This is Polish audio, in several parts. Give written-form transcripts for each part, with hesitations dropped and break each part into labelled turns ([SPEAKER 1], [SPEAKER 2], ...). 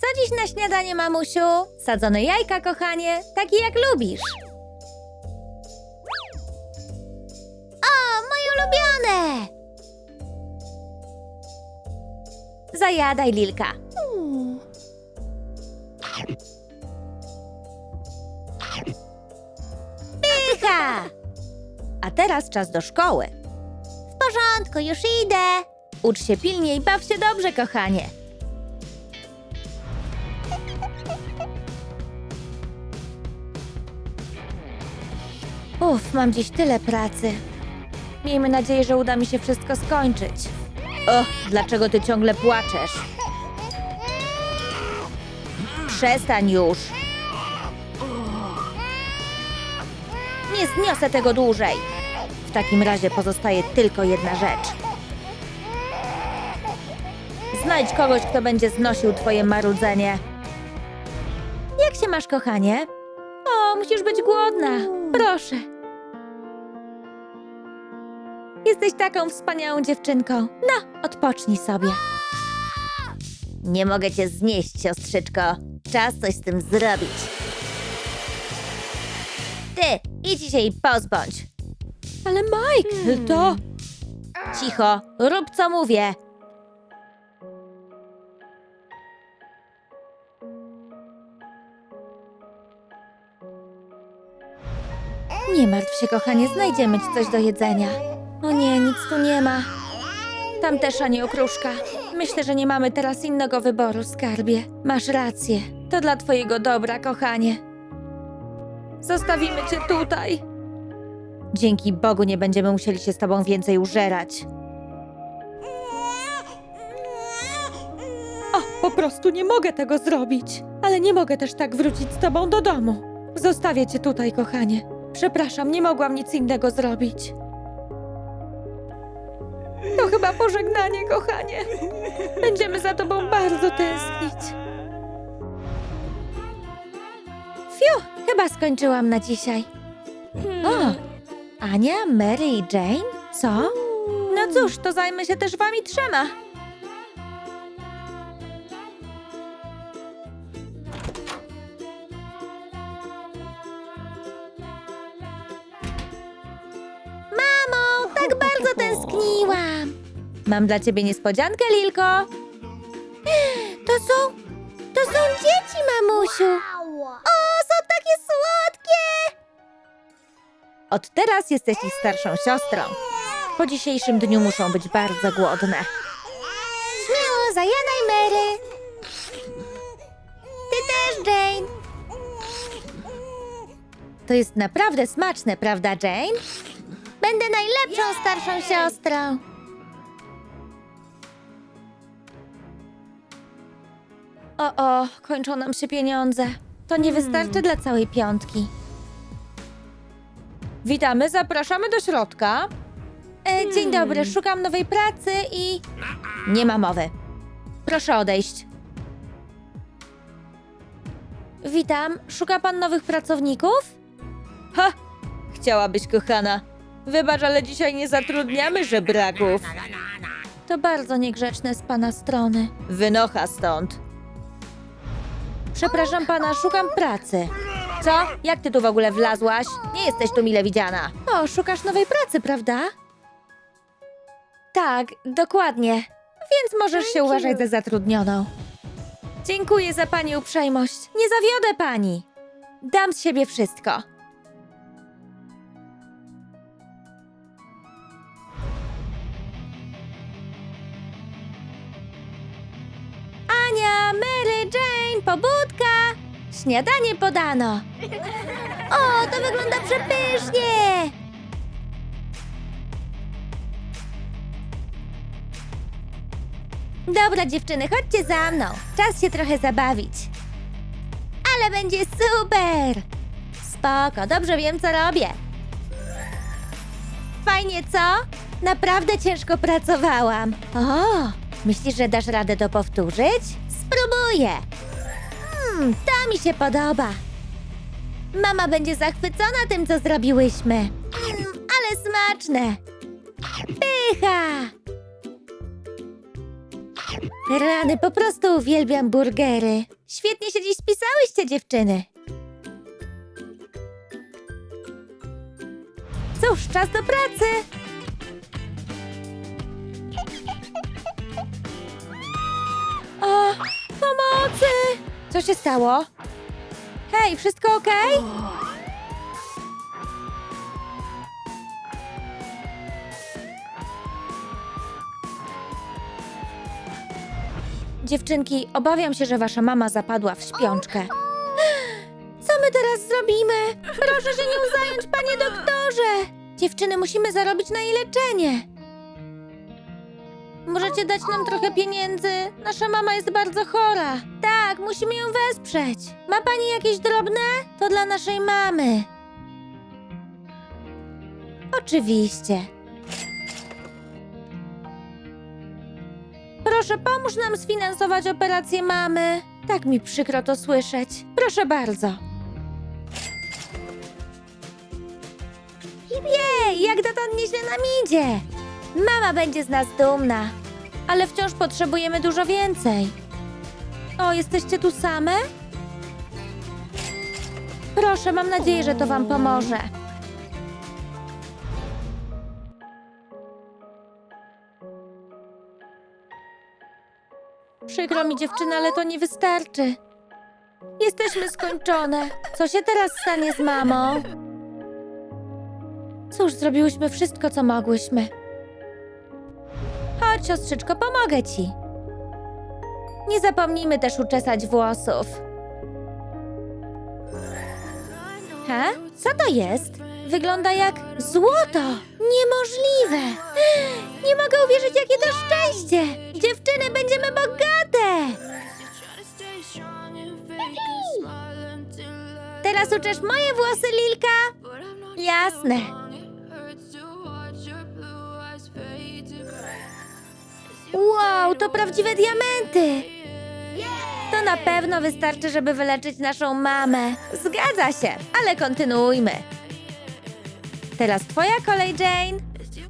[SPEAKER 1] dziś na śniadanie, mamusiu? Sadzone jajka, kochanie, takie jak lubisz. O, moje ulubione! Zajadaj, Lilka. Pycha! A teraz czas do szkoły. W porządku, już idę. Ucz się pilnie i baw się dobrze, kochanie. Mam dziś tyle pracy. Miejmy nadzieję, że uda mi się wszystko skończyć. Dlaczego ty ciągle płaczesz? Przestań już. Nie zniosę tego dłużej. W takim razie pozostaje tylko jedna rzecz. Znajdź kogoś, kto będzie znosił twoje marudzenie. Jak się masz, kochanie? O, musisz być głodna. Proszę. Jesteś taką wspaniałą dziewczynką. No, odpocznij sobie. Nie mogę cię znieść, siostrzyczko. Czas coś z tym zrobić. Ty, idź się jej pozbądź. Ale Mike, to... Cicho, rób co mówię. Nie martw się, kochanie, znajdziemy ci coś do jedzenia. O nie, nic tu nie ma. Tam też ani okruszka. Myślę, że nie mamy teraz innego wyboru, skarbie. Masz rację. To dla twojego dobra, kochanie. Zostawimy cię tutaj. Dzięki Bogu nie będziemy musieli się z tobą więcej użerać. Po prostu nie mogę tego zrobić. Ale nie mogę też tak wrócić z tobą do domu. Zostawię cię tutaj, kochanie. Przepraszam, nie mogłam nic innego zrobić. To chyba pożegnanie, kochanie. Będziemy za tobą bardzo tęsknić. Fiu, chyba skończyłam na dzisiaj. O, Ania, Mary i Jane? Co? No cóż, to zajmę się też wami trzema. Mamo, tak bardzo tęskniłam. Mam dla ciebie niespodziankę, Lilko. To są dzieci, mamusiu. O, są takie słodkie. Od teraz jesteś ich starszą siostrą. Po dzisiejszym dniu muszą być bardzo głodne. Śmiało, zajadaj, Mary. Ty też, Jane. To jest naprawdę smaczne, prawda, Jane? Będę najlepszą starszą siostrą. O, kończą nam się pieniądze. To nie wystarczy dla całej piątki. Witamy, zapraszamy do środka. Dzień dobry, szukam nowej pracy i... Nie ma mowy. Proszę odejść. Witam, szuka pan nowych pracowników? Ha! Chciałabyś, kochana. Wybacz, ale dzisiaj nie zatrudniamy żebraków. To bardzo niegrzeczne z pana strony. Wynocha stąd. Przepraszam pana, szukam pracy. Co? Jak ty tu w ogóle wlazłaś? Nie jesteś tu mile widziana. O, szukasz nowej pracy, prawda? Tak, dokładnie. Więc możesz się uważać za zatrudnioną. Dziękuję za pani uprzejmość. Nie zawiodę pani. Dam z siebie wszystko. Ania, Mary, Jane, pobudka! Śniadanie podano. O, to wygląda przepysznie! Dobra, dziewczyny, chodźcie za mną. Czas się trochę zabawić. Ale będzie super! Spoko, dobrze wiem, co robię. Fajnie, co? Naprawdę ciężko pracowałam. O, myślisz, że dasz radę to powtórzyć? Spróbuję. To mi się podoba. Mama będzie zachwycona tym, co zrobiłyśmy. Ale smaczne. Pycha! Rany, po prostu uwielbiam burgery. Świetnie się dziś spisałyście, dziewczyny. Cóż, czas do pracy. O, pomocy! Co się stało? Hej, wszystko okej? Dziewczynki, obawiam się, że wasza mama zapadła w śpiączkę. Co my teraz zrobimy? Proszę się nią zająć, panie doktorze! Dziewczyny, musimy zarobić na jej leczenie. Możecie dać nam trochę pieniędzy? Nasza mama jest bardzo chora. Tak, musimy ją wesprzeć. Ma pani jakieś drobne? To dla naszej mamy. Oczywiście. Proszę, pomóż nam sfinansować operację mamy. Tak mi przykro to słyszeć. Proszę bardzo. Jej, jak dotąd nieźle nam idzie. Mama będzie z nas dumna. Ale wciąż potrzebujemy dużo więcej. O, jesteście tu same? Proszę, mam nadzieję, że to wam pomoże. Przykro mi, dziewczyny, ale to nie wystarczy. Jesteśmy skończone. Co się teraz stanie z mamą? Cóż, zrobiłyśmy wszystko, co mogłyśmy. Chodź, siostrzyczko, pomogę ci. Nie zapomnijmy też uczesać włosów. Co to jest? Wygląda jak złoto. Niemożliwe. Nie mogę uwierzyć, jakie to szczęście. Dziewczyny, będziemy bogate. Teraz uczesz moje włosy, Lilka? Jasne. Wow, to prawdziwe diamenty. To na pewno wystarczy, żeby wyleczyć naszą mamę. Zgadza się, ale kontynuujmy. Teraz twoja kolej, Jane.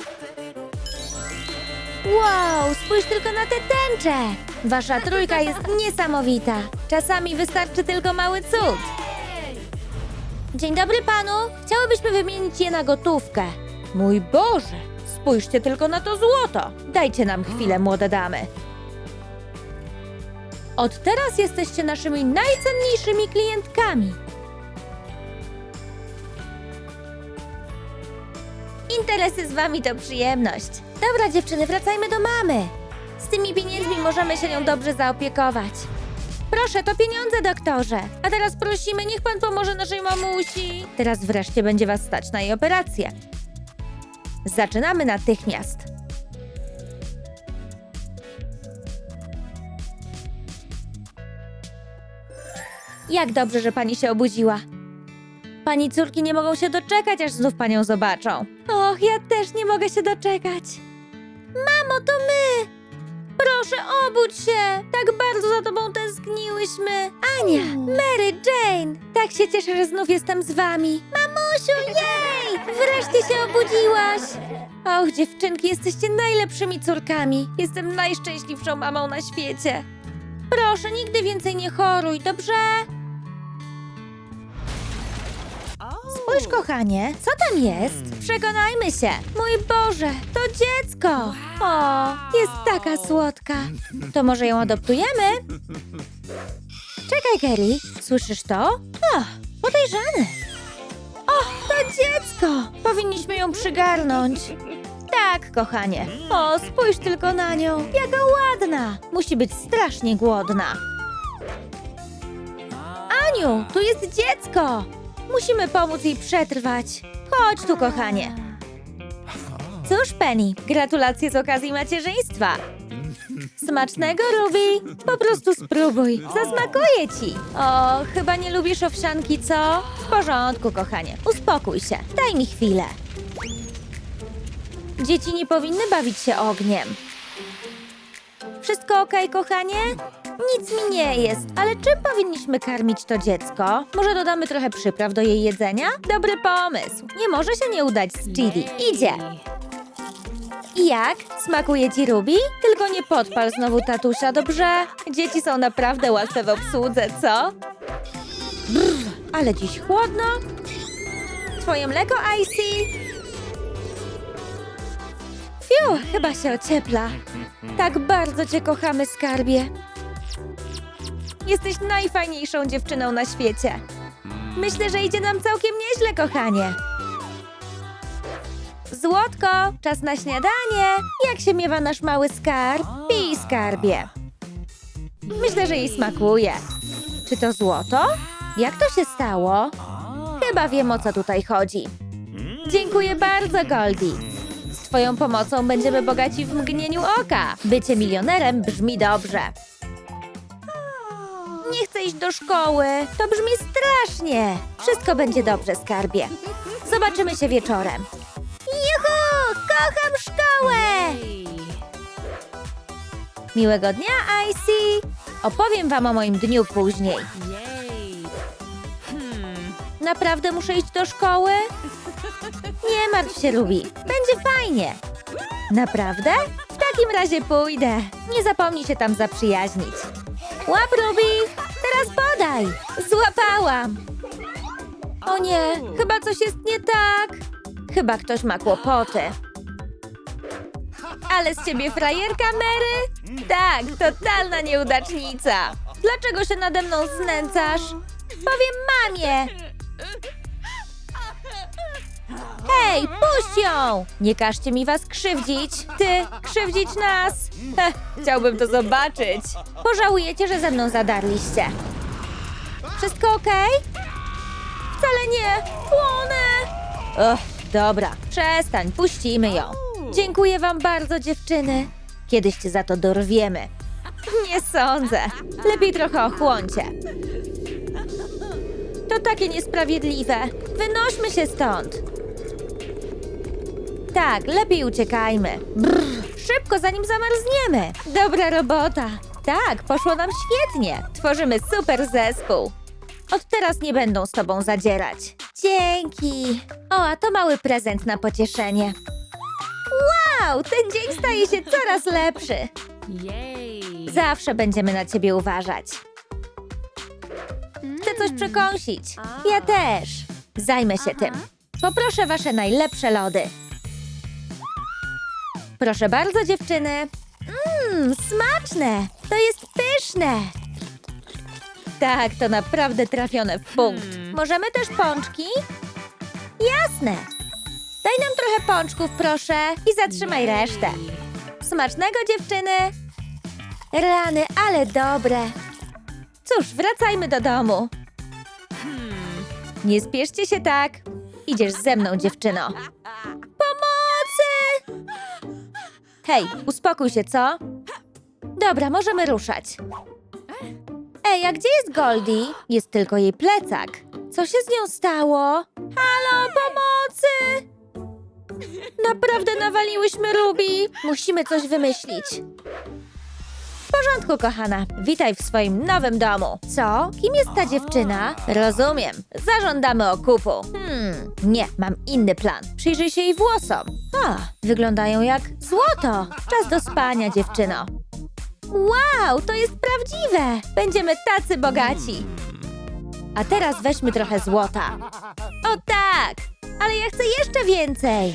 [SPEAKER 1] Wow, spójrz tylko na te tęcze. Wasza trójka jest niesamowita. Czasami wystarczy tylko mały cud. Dzień dobry panu. Chciałybyśmy wymienić je na gotówkę. Mój Boże, spójrzcie tylko na to złoto. Dajcie nam chwilę, młode damy. Od teraz jesteście naszymi najcenniejszymi klientkami. Interesy z wami to przyjemność. Dobra, dziewczyny, wracajmy do mamy. Z tymi pieniędzmi możemy się nią dobrze zaopiekować. Proszę, to pieniądze, doktorze. A teraz prosimy, niech pan pomoże naszej mamusi. Teraz wreszcie będzie was stać na jej operację. Zaczynamy natychmiast. Jak dobrze, że pani się obudziła. Pani córki nie mogą się doczekać, aż znów panią zobaczą. Och, ja też nie mogę się doczekać. Mamo, to my! Proszę, obudź się! Tak bardzo za tobą tęskniłyśmy. Ania, Mary, Jane! Tak się cieszę, że znów jestem z wami. Mamusiu, jej! Wreszcie się obudziłaś! Och, dziewczynki, jesteście najlepszymi córkami. Jestem najszczęśliwszą mamą na świecie. Proszę, nigdy więcej nie choruj, dobrze? Spójrz, kochanie, co tam jest? Przekonajmy się. Mój Boże, to dziecko. O, jest taka słodka. To może ją adoptujemy? Czekaj, Gary, słyszysz to? O, podejrzane. O, to dziecko. Powinniśmy ją przygarnąć. Tak, kochanie. O, spójrz tylko na nią. Jaka ładna. Musi być strasznie głodna. Aniu, tu jest dziecko. Musimy pomóc jej przetrwać. Chodź tu, kochanie. Cóż, Penny, gratulacje z okazji macierzyństwa. Smacznego, Ruby. Po prostu spróbuj. Zasmakuje ci. O, chyba nie lubisz owsianki, co? W porządku, kochanie. Uspokój się. Daj mi chwilę. Dzieci nie powinny bawić się ogniem. Wszystko okej, kochanie? Nic mi nie jest, ale czym powinniśmy karmić to dziecko? Może dodamy trochę przypraw do jej jedzenia? Dobry pomysł. Nie może się nie udać z Chidi. Idzie. I jak? Smakuje ci, Ruby? Tylko nie podpal znowu tatusia, dobrze? Dzieci są naprawdę łatwe w obsłudze, co? Brr, ale dziś chłodno. Twoje mleko, Icy? Fiu, chyba się ociepla. Tak bardzo cię kochamy, skarbie. Jesteś najfajniejszą dziewczyną na świecie. Myślę, że idzie nam całkiem nieźle, kochanie. Złotko, czas na śniadanie. Jak się miewa nasz mały skarb? Pij, skarbie. Myślę, że jej smakuje. Czy to złoto? Jak to się stało? Chyba wiem, o co tutaj chodzi. Dziękuję bardzo, Goldie. Z twoją pomocą będziemy bogaci w mgnieniu oka. Bycie milionerem brzmi dobrze. Nie chcę iść do szkoły. To brzmi strasznie. Wszystko będzie dobrze, skarbie. Zobaczymy się wieczorem. Juhu! Kocham szkołę! Miłego dnia, Icy! Opowiem wam o moim dniu później. Naprawdę muszę iść do szkoły? Nie martw się, Ruby. Będzie fajnie. Naprawdę? W takim razie pójdę. Nie zapomnij się tam zaprzyjaźnić. Łap, Ruby! Teraz podaj! Złapałam! O nie, chyba coś jest nie tak. Chyba ktoś ma kłopoty. Ale z ciebie frajerka, Mary? Tak, totalna nieudacznica. Dlaczego się nade mną znęcasz? Powiem mamie. Hej, puść ją! Nie każcie mi was krzywdzić. Ty, krzywdzić nas. Chciałbym to zobaczyć. Pożałujecie, że ze mną zadarliście. Wszystko okej? Wcale nie. Płonę. Dobra, przestań, puścimy ją. Dziękuję wam bardzo, dziewczyny. Kiedyś cię za to dorwiemy. Nie sądzę. Lepiej trochę ochłoncie. To takie niesprawiedliwe. Wynośmy się stąd. Tak, lepiej uciekajmy. Brr, szybko, zanim zamarzniemy. Dobra robota. Tak, poszło nam świetnie. Tworzymy super zespół. Od teraz nie będą z tobą zadzierać. Dzięki. O, a to mały prezent na pocieszenie. Wow, ten dzień staje się coraz lepszy. Zawsze będziemy na ciebie uważać. Chcę coś przekąsić. Ja też. Zajmę się tym. Poproszę wasze najlepsze lody. Proszę bardzo, dziewczyny. Smaczne. To jest pyszne. Tak, to naprawdę trafione w punkt. Możemy też pączki? Jasne. Daj nam trochę pączków, proszę. I zatrzymaj resztę. Smacznego, dziewczyny. Rany, ale dobre. Cóż, wracajmy do domu. Nie spieszcie się tak. Idziesz ze mną, dziewczyno. Pomocy! Hej, uspokój się, co? Dobra, możemy ruszać. Ej, a gdzie jest Goldie? Jest tylko jej plecak. Co się z nią stało? Halo, pomocy! Naprawdę nawaliłyśmy Ruby. Musimy coś wymyślić. W porządku, kochana. Witaj w swoim nowym domu. Co? Kim jest ta dziewczyna? Rozumiem. Zażądamy okupu. Nie, mam inny plan. Przyjrzyj się jej włosom. Wyglądają jak złoto. Czas do spania, dziewczyno. Wow, to jest prawdziwe. Będziemy tacy bogaci. A teraz weźmy trochę złota. O tak, ale ja chcę jeszcze więcej.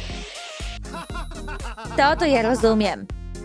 [SPEAKER 1] To ja rozumiem.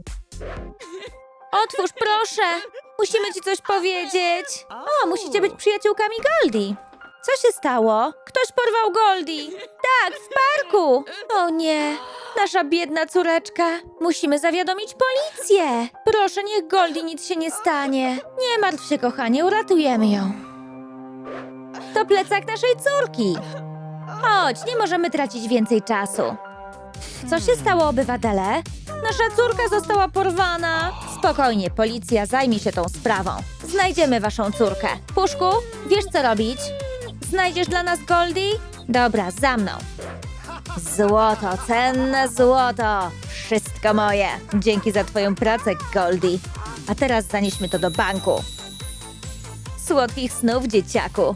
[SPEAKER 1] Otwórz, proszę. Musimy ci coś powiedzieć. O, musicie być przyjaciółkami Goldie. Co się stało? Ktoś porwał Goldie. Tak, w parku. O nie, nasza biedna córeczka. Musimy zawiadomić policję. Proszę, niech Goldie nic się nie stanie. Nie martw się, kochanie, uratujemy ją. To plecak naszej córki. Chodź, nie możemy tracić więcej czasu. Co się stało, obywatele? Nasza córka została porwana. Spokojnie, policja zajmie się tą sprawą. Znajdziemy waszą córkę. Puszku, wiesz co robić? Znajdziesz dla nas Goldie? Dobra, za mną. Złoto, cenne złoto. Wszystko moje. Dzięki za twoją pracę, Goldie. A teraz zanieśmy to do banku. Słodkich snów, dzieciaku.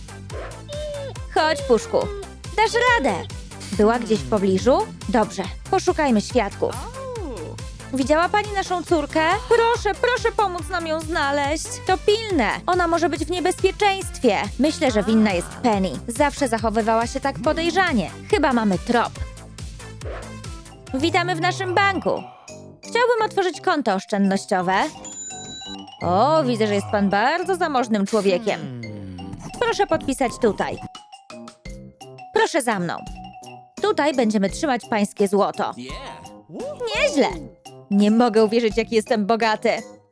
[SPEAKER 1] Chodź, Puszku. Dasz radę. Była gdzieś w pobliżu? Dobrze, Poszukajmy świadków. Widziała pani naszą córkę? Proszę, proszę pomóc nam ją znaleźć. To pilne. Ona może być w niebezpieczeństwie. Myślę, że winna jest Penny. Zawsze zachowywała się tak podejrzanie. Chyba mamy trop. Witamy w naszym banku. Chciałbym otworzyć konto oszczędnościowe. O, widzę, że jest pan bardzo zamożnym człowiekiem. Proszę podpisać tutaj. Proszę za mną. Tutaj będziemy trzymać pańskie złoto. Nieźle. Nie mogę uwierzyć, jaki jestem bogaty.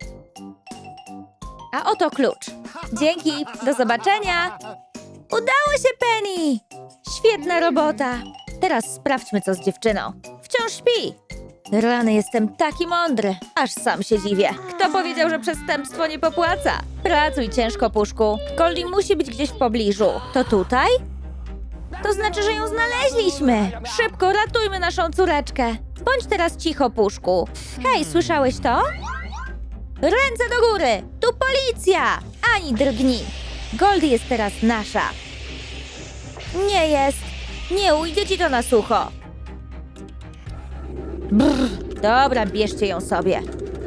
[SPEAKER 1] A oto klucz. Dzięki. Do zobaczenia. Udało się, Penny. Świetna robota. Teraz sprawdźmy, co z dziewczyną. Wciąż śpi. Rany, jestem taki mądry. Aż sam się dziwię. Kto powiedział, że przestępstwo nie popłaca? Pracuj ciężko, Puszku. Goldie musi być gdzieś w pobliżu. To tutaj? To znaczy, że ją znaleźliśmy. Szybko, ratujmy naszą córeczkę. Bądź teraz cicho, Puszku. Hej, słyszałeś to? Ręce do góry! Tu policja! Ani drgnij. Goldie jest teraz nasza. Nie jest. Nie ujdzie ci to na sucho. Brr. Dobra, bierzcie ją sobie.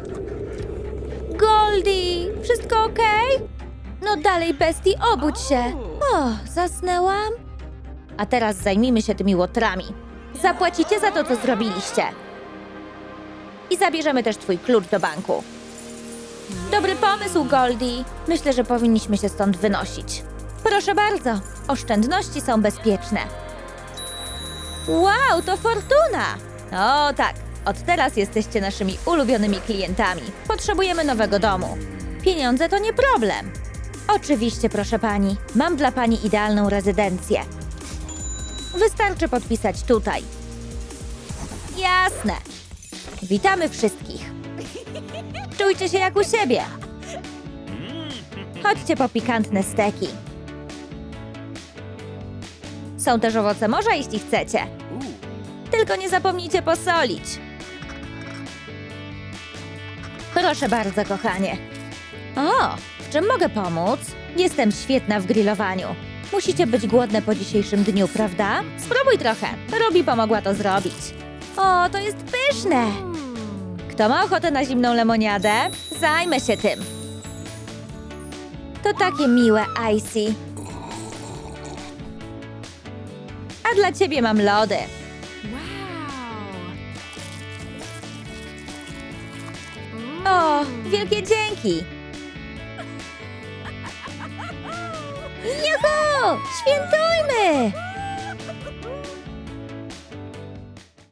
[SPEAKER 1] Goldie, wszystko okej? No dalej, bestii, obudź się. O, zasnęłam? A teraz zajmijmy się tymi łotrami. Zapłacicie za to, co zrobiliście. I zabierzemy też twój klucz do banku. Dobry pomysł, Goldie. Myślę, że powinniśmy się stąd wynosić. Proszę bardzo, oszczędności są bezpieczne. Wow, to fortuna! O tak, od teraz jesteście naszymi ulubionymi klientami. Potrzebujemy nowego domu. Pieniądze to nie problem. Oczywiście, proszę pani. Mam dla pani idealną rezydencję. Wystarczy podpisać tutaj. Jasne. Witamy wszystkich. Czujcie się jak u siebie. Chodźcie po pikantne steki. Są też owoce morza, jeśli chcecie. Tylko nie zapomnijcie posolić. Proszę bardzo, kochanie. O, w czym mogę pomóc? Jestem świetna w grillowaniu. Musicie być głodne po dzisiejszym dniu, prawda? Spróbuj trochę. Robi pomogła to zrobić. O, to jest pyszne. Kto ma ochotę na zimną lemoniadę? Zajmę się tym. To takie miłe, Icy. A dla ciebie mam lody. O, wielkie dzięki! Juhu! Świętujmy!